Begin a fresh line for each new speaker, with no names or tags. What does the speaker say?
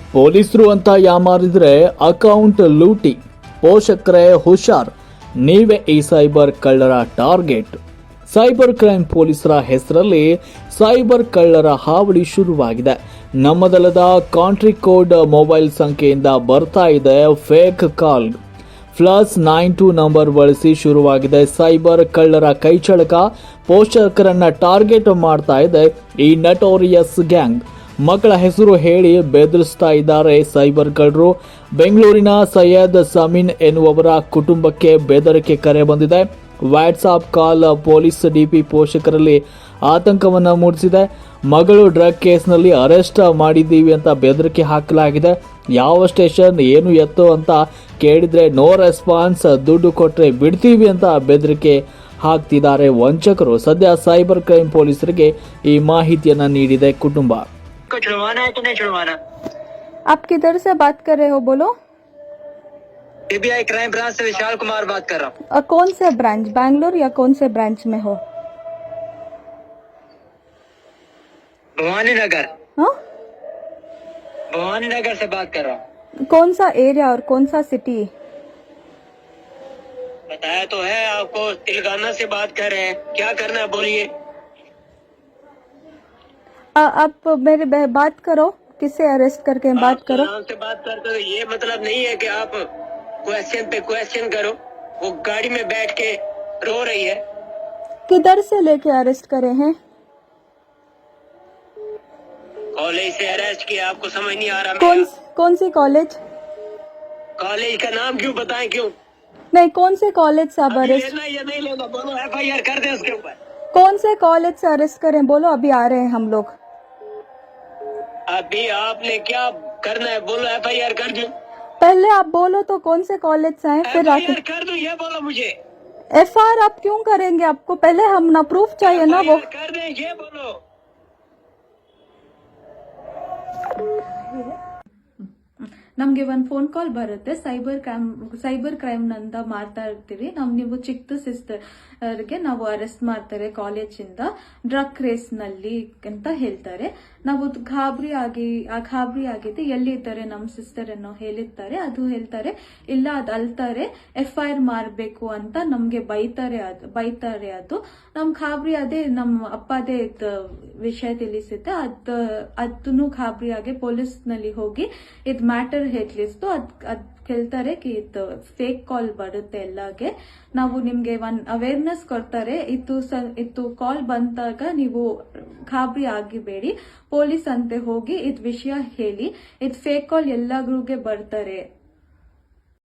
ಪೊಲೀಸರು ಅಂತ ಯಾಮಾರಿದ್ರೆ ಅಕೌಂಟ್ ಲೂಟಿ. ಪೋಷಕರೇ ಹುಷಾರ್, ನೀವೇ ಈ ಸೈಬರ್ ಕಳ್ಳರ ಟಾರ್ಗೆಟ್. ಸೈಬರ್ ಕ್ರೈಮ್ ಪೊಲೀಸರ ಹೆಸರಲ್ಲಿ ಸೈಬರ್ ಕಳ್ಳರ ಹಾವಳಿ ಶುರುವಾಗಿದೆ. ನಮ್ಮದಲ್ಲದ ಕಾಂಟ್ರಿ ಕೋಡ್ ಮೊಬೈಲ್ ಸಂಖ್ಯೆಯಿಂದ ಬರ್ತಾ ಇದೆ ಫೇಕ್ ಕಾಲ್. +92 ನಂಬರ್ ಬಳಸಿ ಶುರುವಾಗಿದೆ ಸೈಬರ್ ಕಳ್ಳರ ಕೈಚಳಕ. ಪೋಷಕರನ್ನ ಟಾರ್ಗೆಟ್ ಮಾಡ್ತಾ ಇದೆ ಈ ನಟೋರಿಯಸ್ ಗ್ಯಾಂಗ್. ಮಕ್ಕಳ ಹೆಸರು ಹೇಳಿ ಬೆದರಿಸ್ತಾ ಇದ್ದಾರೆ ಸೈಬರ್ ಕಳ್ಳರು. ಬೆಂಗಳೂರಿನ ಸೈಯದ್ ಸಮೀನ್ ಎನ್ನುವವರ ಕುಟುಂಬಕ್ಕೆ ಬೆದರಿಕೆ ಕರೆ ಬಂದಿದೆ. ವಾಟ್ಸಾಪ್ ಕಾಲ್ ಪೊಲೀಸ್ ಡಿಪಿ ಪೋಷಕರಲ್ಲಿ ಆತಂಕವನ್ನ ಮೂಡಿಸಿದೆ. ಮಗಳು ಡ್ರಗ್ ಕೇಸ್ನಲ್ಲಿ ಅರೆಸ್ಟ್ ಮಾಡಿದ್ದೀವಿ ಅಂತ ಬೆದರಿಕೆ ಹಾಕಲಾಗಿದೆ. ಯಾವ ಸ್ಟೇಷನ್ ಏನು ಎತ್ತು ಅಂತ ಕೇಳಿದ್ರೆ ನೋ ರೆಸ್ಪಾನ್ಸ್, ದುಡ್ಡು ಕೊಟ್ರೆ ಬಿಡ್ತೀವಿ ಅಂತ ಬೆದರಿಕೆ ಹಾಕ್ತಿದ್ದಾರೆ ವಂಚಕರು. ಸದ್ಯ ಸೈಬರ್ ಕ್ರೈಮ್ ಪೊಲೀಸರಿಗೆ ಈ ಮಾಹಿತಿಯನ್ನ ನೀಡಿದೆ ಕುಟುಂಬ.
छुड़वाना है कि नहीं छुड़वाना?
आप किधर से बात कर रहे हो, बोलो?
सीबीआई क्राइम ब्रांच से विशाल कुमार बात कर रहा हूँ।
कौन से ब्रांच, बैंगलोर या कौन से ब्रांच में हो?
भवानी नगर।
हाँ,
भवानी नगर से बात कर रहा हूँ।
कौन सा एरिया और कौन सा सिटी?
बताया तो है आपको, तेलंगाना से बात कर रहे हैं। क्या करना है बोलिए।
आप मेरे बात करो, किससे अरेस्ट करके बात करो।
नाम से बात करते हो, ये मतलब नहीं है कि आप क्वेश्चन पे क्वेश्चन करो। वो गाड़ी में बैठ के रो रही है।
किधर से लेके अरेस्ट करे हैं?
कॉलेज से अरेस्ट किया, आपको समझ नहीं आ रहा?
कौन सी कॉलेज?
कॉलेज का नाम क्यों बताएं, क्यों
नहीं, कौन से कॉलेज से आप अरेस्ट?
लेना या नहीं लेना बोलो, FIR कर दे उसके ऊपर।
कौन से कॉलेज से अरेस्ट करें, बोलो, अभी आ रहे हैं हम लोग।
अभी आपने क्या करना है बोलो, FIR कर दूं?
पहले आप बोलो तो कौन से कॉलेज से आए, फिर आके
FIR कर दूं, ये बोलो मुझे।
FIR आप क्यों करेंगे? आपको पहले हम ना प्रूफ चाहिए ना वो।
FIR कर दें, ये बोलो।
ನಮಗೆ ಒಂದು ಫೋನ್ ಕಾಲ್ ಬರುತ್ತೆ, ಸೈಬರ್ ಕ್ರೈಮ್ ನಂದ ಮಾಡ್ತಾ ಇರ್ತೀವಿ ನಾವು. ನೀವು ಚಿಕ್ಕ ಸಿಸ್ಟರ್ಗೆ ನಾವು ಅರೆಸ್ಟ್ ಮಾಡ್ತಾರೆ ಕಾಲೇಜಿಂದ ಡ್ರಗ್ ರೇಸ್ ನಲ್ಲಿ ಅಂತ ಹೇಳ್ತಾರೆ. ನಾವು ಗಾಬರಿ ಆಗಿದೆ, ಎಲ್ಲಿದ್ದಾರೆ ನಮ್ಮ ಸಿಸ್ಟರ್ ಅನ್ನೋ ಹೇಳಿರ್ತಾರೆ. ಅದು ಹೇಳ್ತಾರೆ ಇಲ್ಲ, ಅದು ಅಲ್ತಾರೆ, FIR ಮಾಡಬೇಕು ಅಂತ ನಮ್ಗೆ ಬೈತಾರೆ. ಅದು ನಮ್ ಗಾಬರಿ ಅದೇ ನಮ್ಮ ಅಪ್ಪದೇ ವಿಷಯ ತಿಳಿಸುತ್ತೆ. ಅದನ್ನು ಗಾಬರಿ ಆಗಿ ಪೊಲೀಸ್ ನಲ್ಲಿ ಹೋಗಿ ಇದ್ ಮ್ಯಾಟರ್ ಹೇಳಿಸ್ತು. ಅದ್ ಕೇಳ್ತಾರೆ ಕಿ ಇದು ಫೇಕ್ ಕಾಲ್ ಬರುತ್ತೆ ಎಲ್ಲಾಗೆ. ನಾವು ನಿಮ್ಗೆ ಅವೇರ್ನೆಸ್ ಕೊಡ್ತಾರೆ. ಇದು ಕಾಲ್ ಬಂದಾಗ ನೀವು ಗಾಬರಿ ಆಗಿಬೇಡಿ, ಪೊಲೀಸ್ ಅಂತೆ ಹೋಗಿ ಇದ್ ವಿಷಯ ಹೇಳಿ. ಇದ್ ಫೇಕ್ ಕಾಲ್ ಎಲ್ಲಾಗ್ರಿಗೆ ಬರ್ತಾರೆ